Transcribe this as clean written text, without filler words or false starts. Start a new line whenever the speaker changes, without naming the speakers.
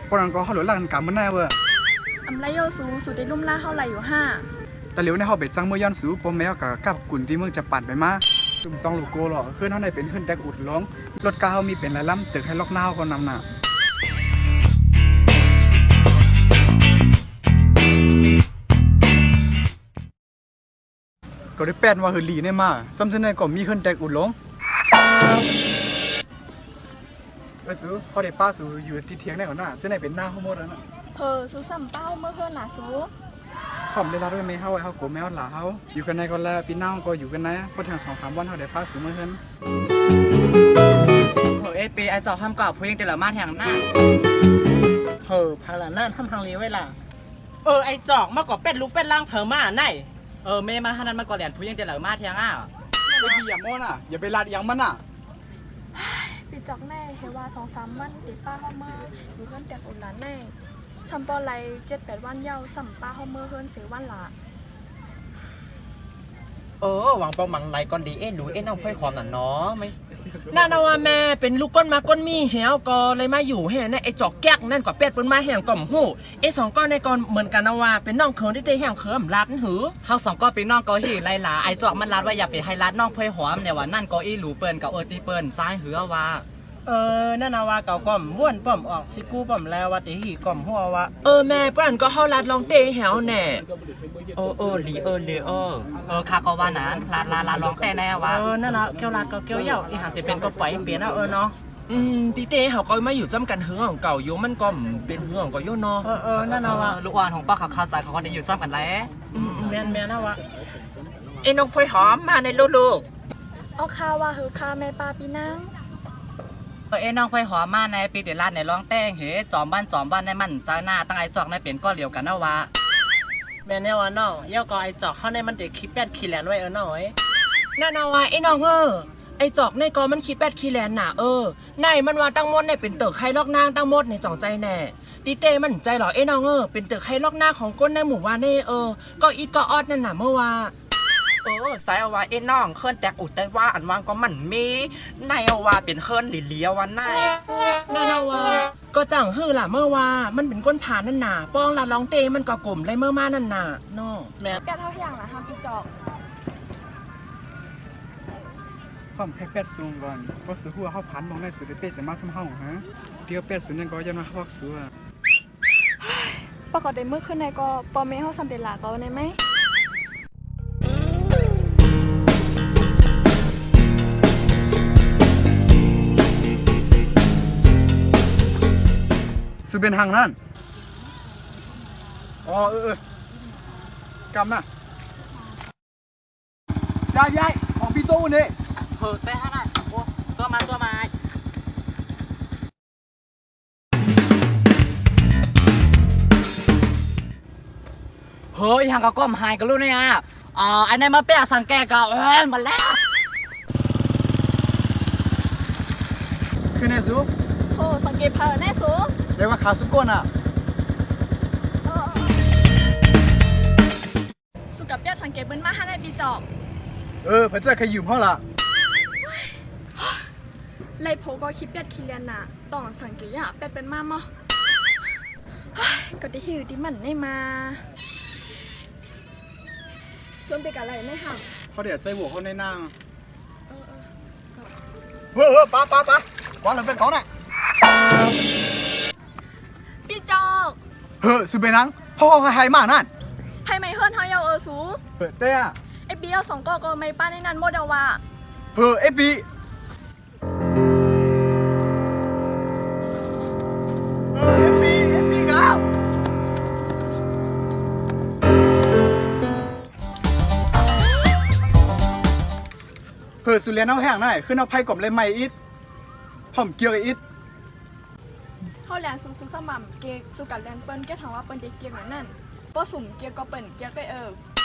ปนันก็เขาหลุดหลังกันเมื่อไหร่เว้ย
อำไรโยสูสูได้ลุ่มล่าเท่าไหร่อยู่ห้า
แต่เหลียวในเขาเบ็ดจังเมื่อย้อนสูปมแมวกับกุ่นที่เมืองจะปั่นไปมาจุ่มต้องลูกโกหรอกขึ้นเท่าไหร่เป็นขึ้นแดกอุดล้องรถกาเขามีเป็นไรล่ำตึกให้ล็อกหน้าก็นำหนาก็ได้แปดว่าเฮลีเนี่ยมาจำเส้นในก็มีขึ้นแดกอุดล้องสูเขาได้ป้าสูอยู่ที่เทียงได้ก่อนหน้าเส้นไหนเป็นหน้าเขาหมดแล้วนะ
สูสัมเป้าเมื่อเพื่อนหนาสู
ผมได้รับด้วยแม่เขาไว้เขาโกแมวหลาเขาอยู่กันในก็แล้วปีหน้าก็อยู่กันนะพอถึง2-3 วันเขาได้ป้าสูเมื่อเฮือน
ปีไอจอกทำกรอบพูดยังเจริญมาแทงหน้า
พาลาหน้าทำทางนี้ไว้ล่ะไอจอกมากกว่าเป็ดลูกเป็ดล่างเผอมาไหน
เมย์มาขนาดมาก่อนแหลนพูดยังเจริญมาแทง
ไม่ดีอย่าโม่น่ะอย่าไปลาดอย่างมัน
ปิดจอกแน่เฮว่า2-3 วันติดป้าเข้ามาอยู่เพื่อนแต่อุ่นหลานแน่ทำปอไร7-8 วันเย้าสัมป้าเข้าเมื่อเพื่อน4 วันละ
หวังเป้าหมังไหลก่อนดีหนูน้องเพื่อนความหน่ะเนาะไม่
น่านะว่าแม่เป็นลูกก้นมาก้นมีเหี่ยวก็เลยมาอยู่แห่ในไอจอกแก๊กนั่นกว่าเป็ดปนมาแห่งก่อมหู2ก้อนในก่อนเหมือนกันนะว่าเป็นน้องเขินที่เตะแห่งเขิมรัดหือ
เฮา2ก้อนเป็นน้องก็หีไรหลาไอจอกมันรัดว่าอย่าไปให้รัดน้องเพื่อนหอมเนี่ยว่านั่นก็หลูเปิ้นกับตีเปิ้นซ้ายหือว่า
นั่นนะว่าเก่าก่อมม้วนป้อมออกสิกู้ป้อมแล้วว่าติหีก่อมหัวว่าแม่ป้านก็เฮารัดลองเตะแหวแน่
ลีข้าก็ว่านั้นลาลองแต่แน่ว่า
นั่นละเกี่ยวรัดก็เกี่ยวเหย่าอีหาสิเป็นก็ปล่อยเปลี่ยนเนาะตีเต้เขาก็มาอยู่ซ้ำกันหือของเก่าอยู่มันก็เป็นหือของก็โยนเนาะ
นั่นนะว่าลูกอ่อนของป้าเขาเข้าใจเขาก็ได้อยู่ซ้ำกันแล้ว
แม่นะวะไอ้น้องพลอยหอมมาในลูก
เอาข้าว่าหือข้าแม่ป้าพี่นาง
น้องไฟหอมมาในปีเดลาดในร้องแต่งจอมบ้านในมันจ้าหน้าตั้งไอจอกในเปลี่ยนก็เหลียวกันนะวะ
แม่แน่ว่าน้องเย่าก็ไอจอกเข้าในมันเด็กขี้แปดขี้แหลนไว้น้อยนั่นนะว่าไอ้น้องไอจอกในกอมันขี้แปดขี้แหลนน่ะในมันว่าตั้งมดในเป็นเติกไข่ลอกนางตั้งมดในจ่องใจแน่ตีเต้มันใจหรอไอ้น้องเป็นเติกไข่ลอกนางของก้นในหมู่ว่านี่ก็อีก็ออดนั่นน่ะเมื่อว่า
สายเอาว่าน้องเคลื่อนแตกอุดแต่ว่าอันวางก็มันมีในเอาว่าเป็นเคลื่อนหลีเลียววันไหน
นั่นเอาว่าก็จังล่ะเมื่อว่ามันเป็นก้นผ่านนั่นน่ะป้องละร้องเตมันก็กลุ่มเลยเมื่อมานั่นน่ะน้อง
แม่แกเท่าอย่างนะทำพี่จอก
ผมแค่เป็ดซูงก่อนเพราะสูหัวเขาพันมองได้สุดเป็ดจะมาทำห้องฮะเดี๋ยวเป็ดสุดยังก็ยันมาเขาสู
ปกติเมื่อคืนในก็ปอเมเขาสัมเดลาก็ในไหม
สุเป็นทางนั่นกำน่ะยายของพี่ตู้นี่
แต่ฮะน่ะตัวมายังก็ก้มหายกันรู้เนี่ยอันนี้มาเปียสังแกก็มาแล้ว
คือในสู
สังเกตเพลินแน่สู
เรียกว่าขาสุก้น
สุกับเปียสังเกตเบิ้ลมาให้ในปีจอก
เพื่อนจะขยืมห้องละ
ไล่โพก็คิดเปียขี้เลียนน่ะต้องสังเกตอย่าเป็ดเป็นมามั้งก็ได้หิวที่มันได้มาส่วนเป็นอะไรไม่ห่าง
เขาเดี๋ยวใส่หัวเขาในนั่งป้าก่อนเราเป็นของไหน
พี่จอก
สุเปนังพ่อเขาให้มานั่น
ให้ไม่เฮิร์นเขาเยาสู
เต้
ไอปีเอา2ก็ไม่ป้าในนั้นโมเดลว่า
ไอปีครับสุเรียนเอาแห้งหน่อยขึ้นเอาไผ่กลมเลยไม่อิดผมเกี่ยวกับอิด
เขาแลนสูสม่ำเกย์สุกัดแลนเปิ้ลแกถามว่าเปิ้ลเด็กเกียร์เหมือนนั่นป้อสุ่มเกียร์ก็เปิ้ลเกียร์ก็